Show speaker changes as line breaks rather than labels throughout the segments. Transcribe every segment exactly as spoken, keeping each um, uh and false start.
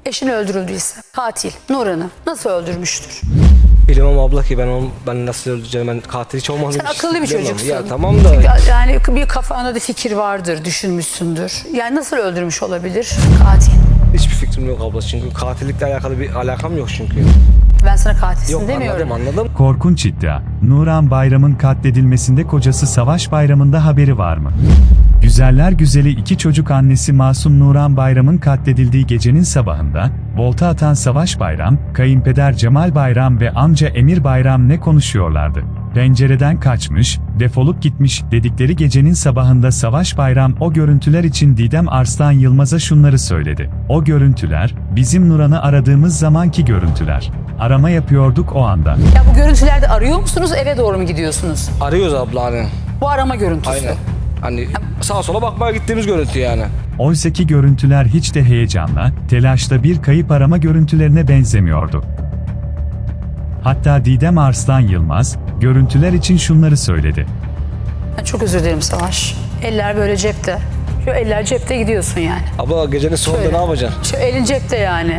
eşini öldürüldüyse katil Nuran'ı nasıl öldürmüştür?
Bilemem abla ki ben onu ben nasıl öldüreceğim, ben katil hiç olmadım.
Sen akıllı bir çocuksun.
Ya tamam da.
Çünkü yani bir kafanda da fikir vardır, düşünmüşsündür. Yani nasıl öldürmüş olabilir katil?
Hiçbir fikrim yok abla, çünkü katillikle alakalı bir alakam yok çünkü.
Ben sana katilsin
Yok
demiyorum.
anladım anladım.
Korkunç iddia. Nuran Bayram'ın katledilmesinde kocası Savaş Bayram'ın da haberi var mı? Güzeller güzeli iki çocuk annesi Masum Nuran Bayram'ın katledildiği gecenin sabahında, volta atan Savaş Bayram, kayınpeder Cemal Bayram ve amca Emir Bayram ne konuşuyorlardı? Pencereden kaçmış, defolup gitmiş dedikleri gecenin sabahında Savaş Bayram o görüntüler için Didem Arslan Yılmaz'a şunları söyledi. O görüntüler, bizim Nuran'ı aradığımız zamanki görüntüler. Arama yapıyorduk o anda.
Ya bu görüntülerde arıyor musunuz, eve doğru mu gidiyorsunuz?
Arıyoruz abla hani.
Bu arama görüntüsü.
Aynen. Hani sağa sola bakmaya gittiğimiz görüntü yani.
Oysaki görüntüler hiç de heyecanla, telaşla bir kayıp arama görüntülerine benzemiyordu. Hatta Didem Arslan Yılmaz, görüntüler için şunları söyledi.
Ben çok özür dilerim Savaş. Eller böyle cepte. Şu eller cepte gidiyorsun yani.
Abla gecenin sonunda
Şöyle.
ne yapacaksın?
Şu elin cepte yani.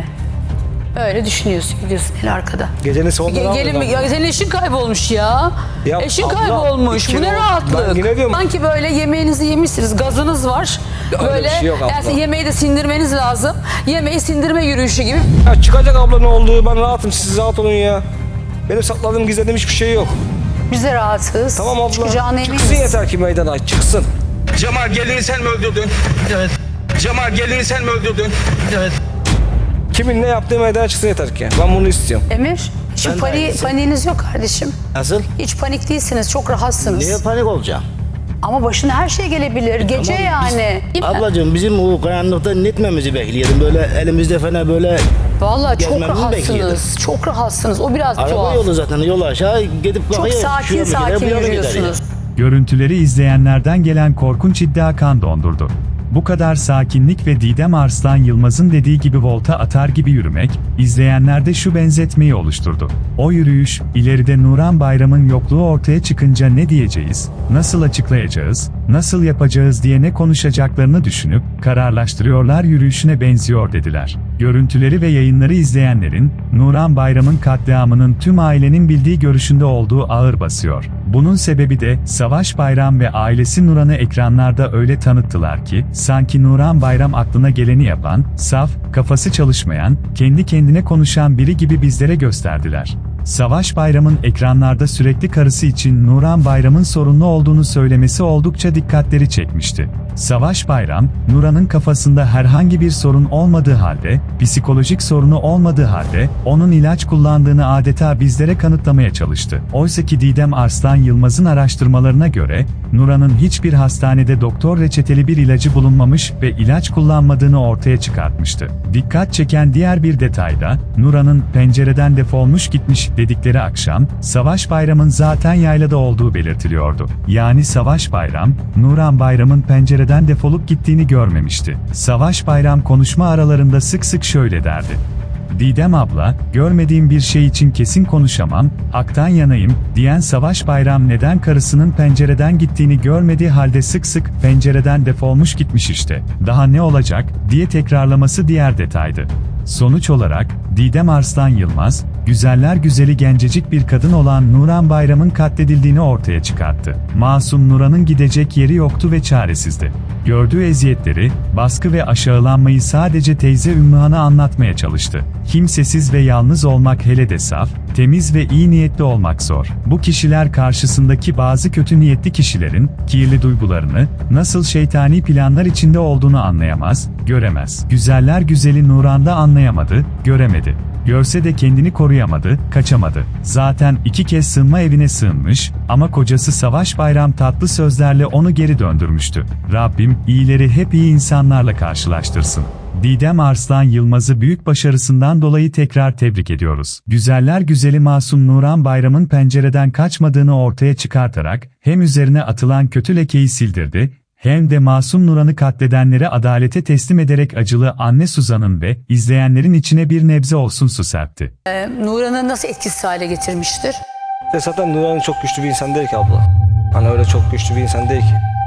Öyle düşünüyorsun, gidiyorsun el arkada.
Gecenin sonunda
Ge-
ne
gelin,
yapacaksın?
ya senin eşin kaybolmuş ya.
Ya
eşin
abla,
kaybolmuş. Bu
iki
ne
o-
rahatlık.
Ben yine diyorum.
Sanki böyle yemeğinizi yemişsiniz, gazınız var.
Ya öyle
böyle
bir şey yok abla.
yani yemeği de sindirmeniz lazım. Yemeği sindirme yürüyüşü gibi.
Ya çıkacak abla, ne oldu? Ben rahatım, siz rahat olun ya. Benim sakladığım, gizlediğim hiçbir şey yok.
Biz de rahatız.
Tamam abla.
Çıkacağına
Çıksın
eminiz.
yeter ki meydana çıksın.
Cemal gelini sen mi öldürdün? Evet. Cemal gelini sen mi öldürdün? Evet.
Kimin ne yaptığı meydana çıksın yeter ki. Ben bunu istiyorum.
Emir, şu
Ben de
pani,
aynısı.
paniğiniz yok kardeşim.
Nasıl?
Hiç panik değilsiniz, çok rahatsınız.
Niye panik olacağım?
Ama başına her şey gelebilir. Gece
Tamam, biz-
yani. Değil mi?
Ablacığım bizim o karanlıkta netmemizi bekliyordum. Böyle elimizde falan böyle
Vallahi çok
gezmemizi
rahatsınız.
bekliyordum.
Çok rahatsınız. O biraz
araba
tuhaf.
yolu zaten, yol aşağı gidip
Çok
bakıyor.
sakin
şuraya bir gider,
sakin
bu yana gider
yürüyorsunuz.
ya.
Görüntüleri izleyenlerden gelen korkunç iddia kan dondurdu. Bu kadar sakinlik ve Didem Arslan Yılmaz'ın dediği gibi volta atar gibi yürümek, izleyenlerde şu benzetmeyi oluşturdu. O yürüyüş, ileride Nuran Bayram'ın yokluğu ortaya çıkınca ne diyeceğiz, nasıl açıklayacağız, nasıl yapacağız diye ne konuşacaklarını düşünüp, kararlaştırıyorlar, yürüyüşüne benziyor dediler. Görüntüleri ve yayınları izleyenlerin, Nuran Bayram'ın katliamının tüm ailenin bildiği görüşünde olduğu ağır basıyor. Bunun sebebi de, Savaş Bayram ve ailesi Nuran'ı ekranlarda öyle tanıttılar ki, sanki Nuran Bayram aklına geleni yapan, saf, kafası çalışmayan, kendi kendine konuşan biri gibi bizlere gösterdiler. Savaş Bayram'ın ekranlarda sürekli karısı için Nuran Bayram'ın sorunlu olduğunu söylemesi oldukça dikkatleri çekmişti. Savaş Bayram, Nuran'ın kafasında herhangi bir sorun olmadığı halde, psikolojik sorunu olmadığı halde, onun ilaç kullandığını adeta bizlere kanıtlamaya çalıştı. Oysaki Didem Arslan Yılmaz'ın araştırmalarına göre, Nuran'ın hiçbir hastanede doktor reçeteli bir ilacı bulunmamış ve ilaç kullanmadığını ortaya çıkartmıştı. Dikkat çeken diğer bir detay da, Nuran'ın pencereden defolmuş gitmiş dedikleri akşam, Savaş Bayram'ın zaten yaylada olduğu belirtiliyordu. Yani Savaş Bayram, Nuran Bayram'ın pencereden defolup gittiğini görmemişti. Savaş Bayram konuşma aralarında sık sık şöyle derdi. Didem abla, görmediğim bir şey için kesin konuşamam, haktan yanayım, diyen Savaş Bayram neden karısının pencereden gittiğini görmediği halde sık sık pencereden defolmuş gitmiş işte, daha ne olacak, diye tekrarlaması diğer detaydı. Sonuç olarak, Didem Arslan Yılmaz, güzeller güzeli gencecik bir kadın olan Nuran Bayram'ın katledildiğini ortaya çıkarttı. Masum Nuran'ın gidecek yeri yoktu ve çaresizdi. Gördüğü eziyetleri, baskı ve aşağılanmayı sadece teyze Ümmühan'a anlatmaya çalıştı. Kimsesiz ve yalnız olmak, hele de saf, temiz ve iyi niyetli olmak zor. Bu kişiler karşısındaki bazı kötü niyetli kişilerin, kirli duygularını, nasıl şeytani planlar içinde olduğunu anlayamaz, göremez. Güzeller güzeli Nuran'da anlayamadı, göremedi. Görse de kendini koruyamadı, kaçamadı. Zaten iki kez sığınma evine sığınmış ama kocası Savaş Bayram tatlı sözlerle onu geri döndürmüştü. Rabbim, iyileri hep iyi insanlarla karşılaştırsın. Didem Arslan Yılmaz'ı büyük başarısından dolayı tekrar tebrik ediyoruz. Güzeller güzeli Masum Nuran Bayram'ın pencereden kaçmadığını ortaya çıkartarak, hem üzerine atılan kötü lekeyi sildirdi, hem de Masum Nuran'ı katledenlere adalete teslim ederek acılı anne Suzan'ın ve izleyenlerin içine bir nebze olsun su serpti.
Ee, Nuran'ı nasıl etkisiz hale getirmiştir?
E zaten Nuran çok güçlü bir insan değil ki abla. Hani öyle çok güçlü bir insan değil ki.